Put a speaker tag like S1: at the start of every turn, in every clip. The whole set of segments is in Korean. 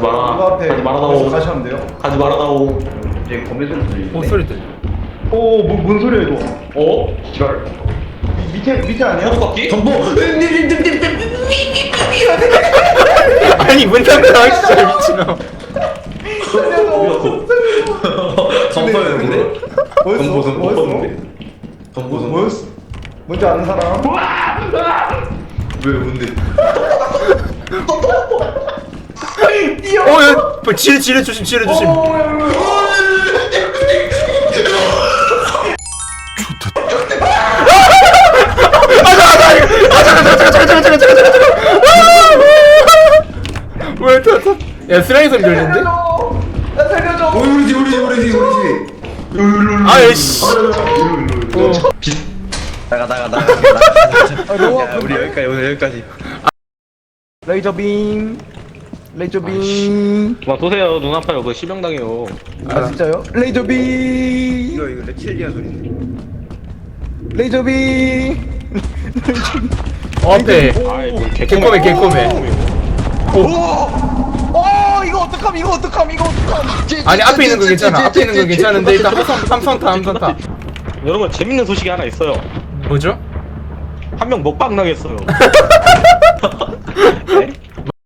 S1: 마라.
S2: 누가 앞에
S1: 가지 말아다오.
S2: 가시면 돼요.
S1: 가지 말아다오.
S3: 이제 거미 소리 들리는데.
S4: 소리 들려.
S2: 오, 뭔 소리야 이거?
S1: 어? 지랄.
S2: 밑에 아니야?
S1: 호두깎기?
S3: 정보.
S4: 아니 문 닫아 진짜 미친놈.
S3: 정보였는데.
S2: 뭐였어? 뭐였어?
S3: 정보.
S2: 뭐였어? 뭔지 아는 사람?
S3: 왜 뭔데?
S4: 야, 지뢰 조심, 지뢰 조심. 왜 탔어? 야 쓰라기 소리 들리는데?
S2: 나 살려줘.
S3: 우리 집.
S4: 아이씨.
S3: 나가.
S2: 너무
S3: 야, 우리 여기까지 오늘 여기까지.
S2: 레이저 빔. 레이저 빔.
S1: 그만 쏘세요. 눈 아파요. 그거 실명당해요.
S2: 아 진짜요? 레이저 빔.
S3: 이거 reptilian 소리인데.
S2: 레이저 빔.
S4: 앞에
S1: 아이 뭐
S4: 개꼬매.
S2: 이거 어떡함.
S4: 아니 앞에 있는 건 괜찮아. 앞에 있는 건 괜찮은데 일단 함선타.
S1: 여러분 재밌는 소식이 하나 있어요.
S4: 뭐죠?
S1: 한 명 먹방 나겠어요. 네?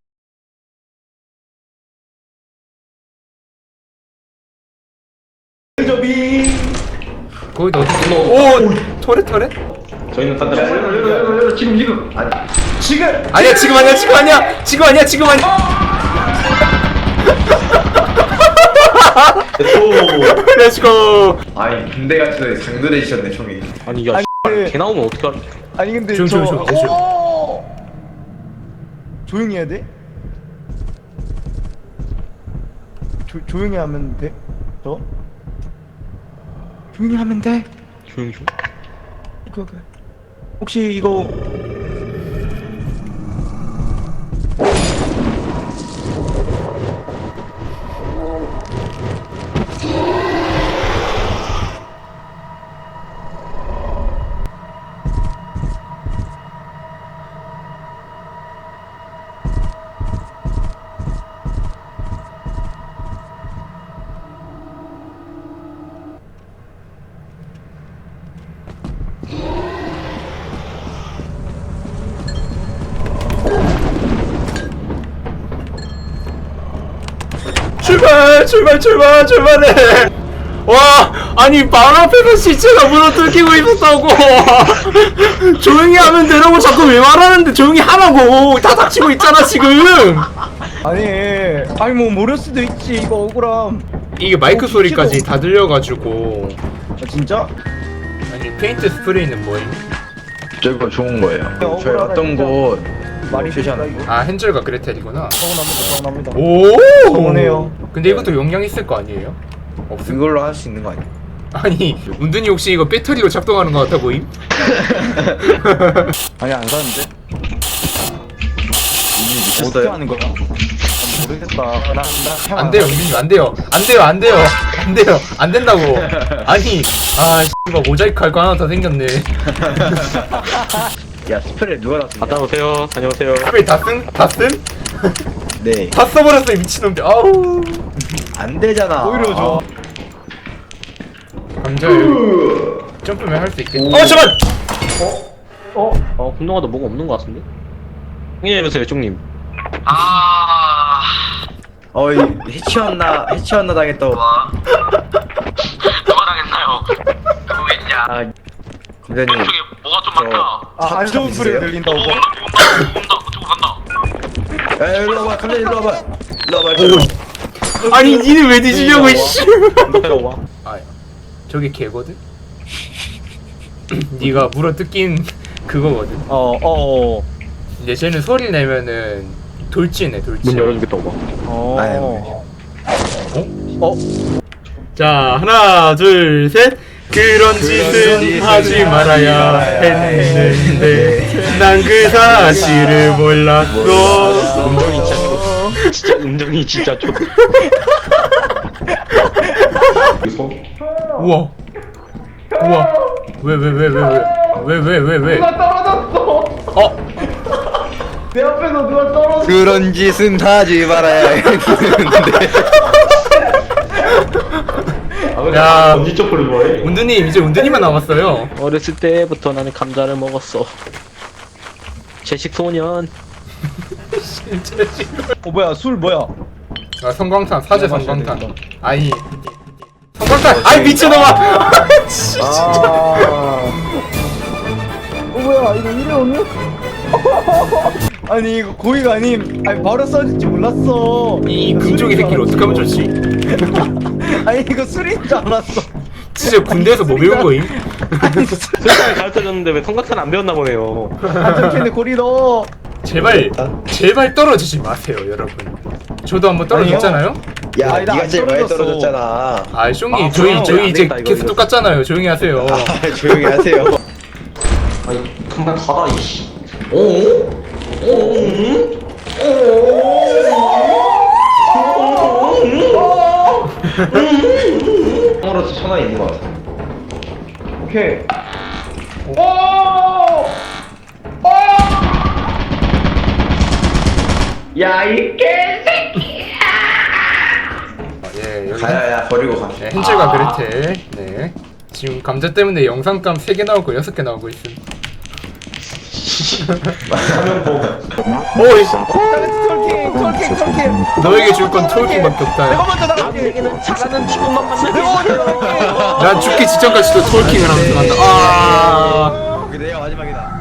S2: 레이저 빔.
S4: 거기도 어디? 오 터렛?
S1: 저희는 딴 데로
S3: 열어. 지금. 아니.
S2: 지금.
S4: 아니야 지금 아니야.
S1: 또
S4: 렛츠고.
S3: 아니 군대 같은 데 장들해지셨네 총이.
S1: 아니 야
S2: 근데-
S1: 개 나오면 어떡할.
S2: 아니 근데
S4: 조용.
S2: 조용히 해야 돼? 조용히 하면 돼? 조용히 하면 돼?
S1: 조용 좀.
S2: 오케이. 혹시 이거
S4: 출발해. 와 아니 바로 앞에서 시체가 물어뜯기고 있었다고. 조용히 하면 되라고 자꾸 왜 말하는데 조용히 하라고. 다 닥치고 있잖아 지금.
S2: 아니 뭐 모를 수도 있지. 이거 억울함.
S4: 이게 마이크 소리까지 다 들려가지고.
S2: 아, 진짜?
S4: 아니 페인트 스프레이는 뭐임?
S3: 저거 좋은 거예요.
S2: 억울하다,
S3: 저희 왔던
S2: 진짜.
S3: 곳
S2: 말이
S3: 표시하는
S2: 된다,
S3: 거.
S2: 이거.
S4: 아 헨젤과 그레텔이구나.
S2: 서운합니다.
S4: 오
S2: 서운해요.
S4: 근데 이것도 용량 있을 거 아니에요? 없음.
S3: 그걸로 할 수 있는 거 아니야?
S4: 아니 운둔이 혹시 이거 배터리로 작동하는 거 같아 보임?
S2: 아니 안 사는데?
S3: 어떻게
S2: 하는 거야? 모르겠다.
S4: 안 돼요, 민님 안 돼요. 안 된다고. 아니, 씨발 모자이크 할 거 하나 더 생겼네.
S3: 야 스프레이 누가 다 쓴
S1: 다녀오세요.
S4: 스프레이 다 쓴?
S3: 네.
S4: 다 써버렸어 이 미친놈들. 아우.
S3: 안 되잖아.
S2: 오히려 좋아.
S4: 감자 여기 점프면 할 수 있겠다. 잠깐.
S1: 분노가도 뭐가 없는 것 같은데? 해주세요, 쪽님.
S3: 어이 해치웠나 당했다고.
S5: 누가 당했나요? 누구겠냐?
S3: 아 검사님.
S5: 저기 뭐가 좀 많다.
S2: 안 좋은 소리 들린다고.
S5: 온다. 그쪽으로 간다.
S3: 야 일로 와봐. 감사님 일로 와봐.
S4: 아니 니는 왜 뒤지려고 이씨.
S1: 와.
S4: 저게 개거든. 네가 물어 뜯긴 그거거든. 이제 쟤는 소리 내면은 돌진해.
S1: 문 열어주겠다, 오바.
S4: 자 하나 둘 셋. 그런 짓은 하지 말아야 했는데 난 그 사실을 몰랐어.
S1: 음정이 진짜 좋.
S4: 우와 왜?
S2: 누가 떨어졌어. 내 앞에서 누가 떨어져.
S3: 그런 짓은 하지 말아야 했는데.
S4: 야.
S1: 언제 쪽으로 뭐해?
S4: 운드님 이제 운드님만 남았어요.
S1: 어렸을 때부터 나는 감자를 먹었어. 채식 소년.
S2: 뭐야 술 뭐야?
S4: 아 성광탄 사제
S2: 마셔야
S4: 성광탄.
S2: 되겠다.
S4: 아이 성광탄. 아이 미친놈아.
S2: 뭐야 이거 이래 오늘? 아니 이거 고의가 아님. 아니 바로 써질 줄 몰랐어.
S4: 이 금쪽이 새끼를 어떡하면 좋지?
S2: 아니 이거 술인 줄 알았어.
S4: 진짜 군대에서 뭐 배운 거임?
S1: 술상을 가르쳐줬는데 왜 성각탄 안 배웠나 보네요.
S2: 안정캔에 고리 넣어.
S4: 제발 떨어지지 마세요 여러분. 저도 한번 떨어졌잖아요.
S3: 야,
S2: 아니, 나안
S3: 네가 제일 많이
S2: 떨어졌어.
S3: 떨어졌잖아.
S4: 아 숑이
S1: 아,
S4: 저희
S1: 안
S4: 이제
S1: 되겠다, 이거,
S4: 계속
S1: 이거.
S4: 똑같잖아요. 조용히 하세요.
S3: 아, 조용히 하세요.
S1: 아니 금방 가다 이씨.
S3: 형으로서 천원 있는 것 같아.
S2: 오케이.
S4: 예 여기
S3: 가야야 버리고 가.
S4: 네, 헨젤과 그레텔. 네 지금 감자 때문에 영상감 3개 나오고 6개 나오고 있음. 오이
S2: 톨킹.
S4: 너에게 줄 건 톨킹밖에 없다.
S2: 내가 먼저 나갈게.
S1: 남에게는 잘하는 친구만 만나게
S2: 내가 먼저
S1: 해주세요.
S2: 나갈게.
S4: 난 죽기 직전까지도 톨킹을 하면서 간다. 아
S3: 그게 내가 마지막이다.